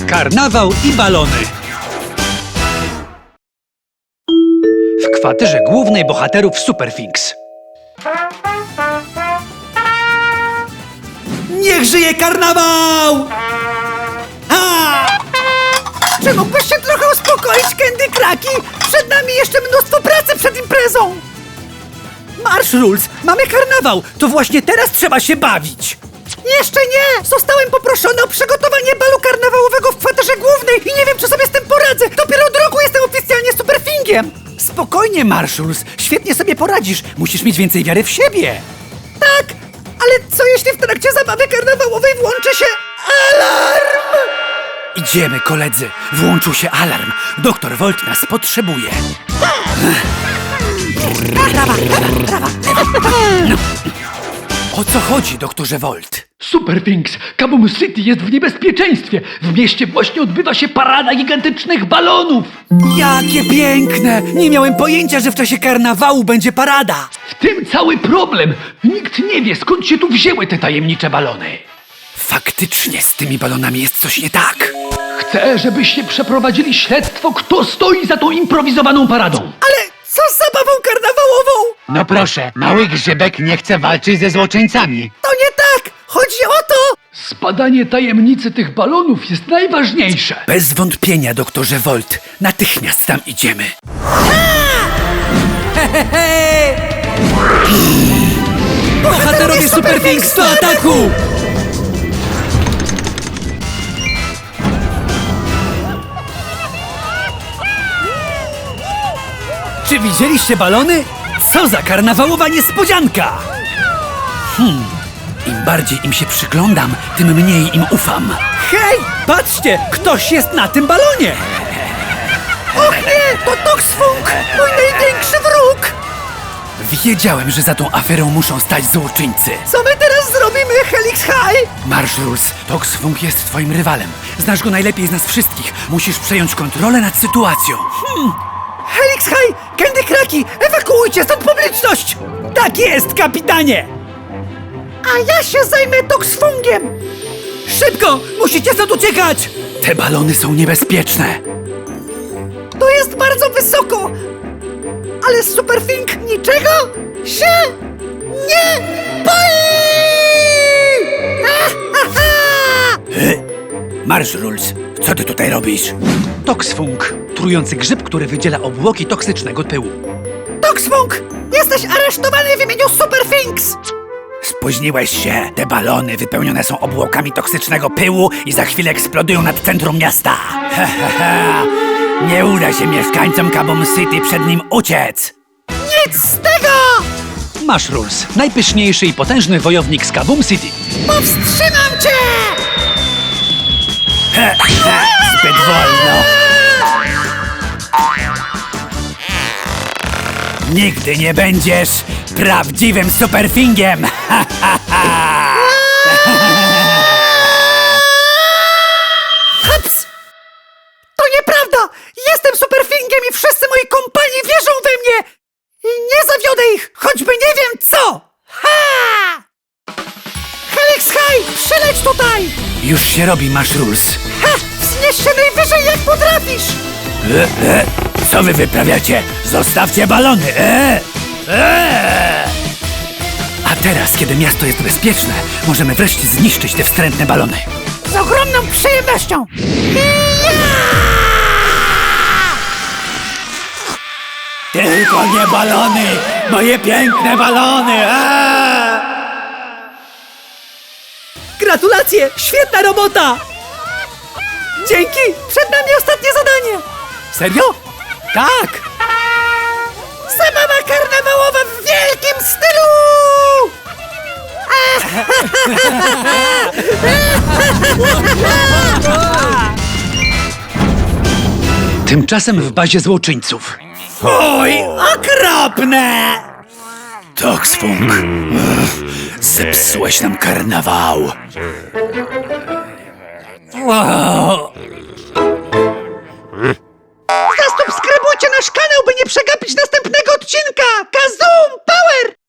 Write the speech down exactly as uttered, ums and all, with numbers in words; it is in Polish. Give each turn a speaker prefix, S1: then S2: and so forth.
S1: Karnawał i balony. W kwaterze głównej bohaterów Superfinks.
S2: Niech żyje karnawał! Ha! Czy mógłbyś się trochę uspokoić, Candy Kraki? Przed nami jeszcze mnóstwo pracy przed imprezą! Marsz Rules! Mamy karnawał! To właśnie teraz trzeba się bawić! Jeszcze nie! Zostałem poproszony o przygotowanie balu karnawałowego w kwaterze głównej i nie wiem, czy sobie z tym poradzę! Dopiero od roku jestem oficjalnie Superfingiem! Spokojnie, Marsz Rules! Świetnie sobie poradzisz! Musisz mieć więcej wiary w siebie! Tak! Ale co jeśli w trakcie zabawy karnawałowej włączy się alarm? Idziemy, koledzy! Włączył się alarm! Doktor Volt nas potrzebuje! Prawa, prawa, prawa! No. O co chodzi, doktorze Volt?
S3: Superfinks, Kaboom City jest w niebezpieczeństwie! W mieście właśnie odbywa się parada gigantycznych balonów!
S2: Jakie piękne! Nie miałem pojęcia, że w czasie karnawału będzie parada!
S3: W tym cały problem! Nikt nie wie, skąd się tu wzięły te tajemnicze balony!
S2: Faktycznie z tymi balonami jest coś nie tak!
S3: Chcę, żebyście przeprowadzili śledztwo, kto stoi za tą improwizowaną paradą!
S2: Ale co z zabawą karnawałową?
S4: No proszę, mały grzybek nie chce walczyć ze złoczyńcami.
S2: To nie tak! Chodzi o to!
S3: Zbadanie tajemnicy tych balonów jest najważniejsze!
S2: Bez wątpienia, doktorze Volt. Natychmiast tam idziemy. Bohaterowie Superfinks do ataku! Czy widzieliście balony? Co za karnawałowa niespodzianka! Hmm, im bardziej im się przyglądam, tym mniej im ufam. Hej, patrzcie, ktoś jest na tym balonie! Och nie, to Toxfunk, mój największy wróg! Wiedziałem, że za tą aferą muszą stać złoczyńcy. Co my teraz zrobimy, Helix High? Marsz Rules, Toxfunk jest twoim rywalem. Znasz go najlepiej z nas wszystkich. Musisz przejąć kontrolę nad sytuacją. Hmm. Helix High, Candy Kraki, ewakuujcie stąd publiczność! Tak jest, kapitanie! A ja się zajmę Toxfungiem! Szybko, musicie stąd uciekać! Te balony są niebezpieczne. To jest bardzo wysoko, ale Superfink niczego się nie boi! Marsz Rules, co ty tutaj robisz?
S1: Toxfunk, trujący grzyb, który wydziela obłoki toksycznego pyłu.
S2: Toxfunk! Jesteś aresztowany w imieniu Superfinks! Spóźniłeś się. Te balony wypełnione są obłokami toksycznego pyłu i za chwilę eksplodują nad centrum miasta. Nie uda się mieszkańcom Kaboom City przed nim uciec. Nic z tego!
S1: Marsz Rules, najpyszniejszy i potężny wojownik z Kaboom City.
S2: Powstrzymam cię! Zbyt wolno. Nigdy nie będziesz prawdziwym Superfingiem! Haps! To nieprawda! Jestem Superfingiem i wszyscy moi kompani wierzą we mnie! I nie zawiodę ich, choćby nie wiem co! Ha! Helix High, przyleć tutaj! Już się robi, Marsz Rules. Ha! Wznieś się najwyżej jak potrafisz! E, e, co wy wyprawiacie? Zostawcie balony! E, e. A teraz, kiedy miasto jest bezpieczne, możemy wreszcie zniszczyć te wstrętne balony. Z ogromną przyjemnością! Tylko nie balony! Moje piękne balony! A! Gratulacje! Świetna robota! Dzięki! Przed nami ostatnie zadanie! Serio? Tak! Zabawa karnawałowa w wielkim stylu!
S1: Tymczasem w bazie złoczyńców.
S2: Oj, okropne! Toxfunk, zepsułeś nam karnawał. Wow. Zasubskrybujcie nasz kanał, by nie przegapić następnego odcinka! Kazoom Power!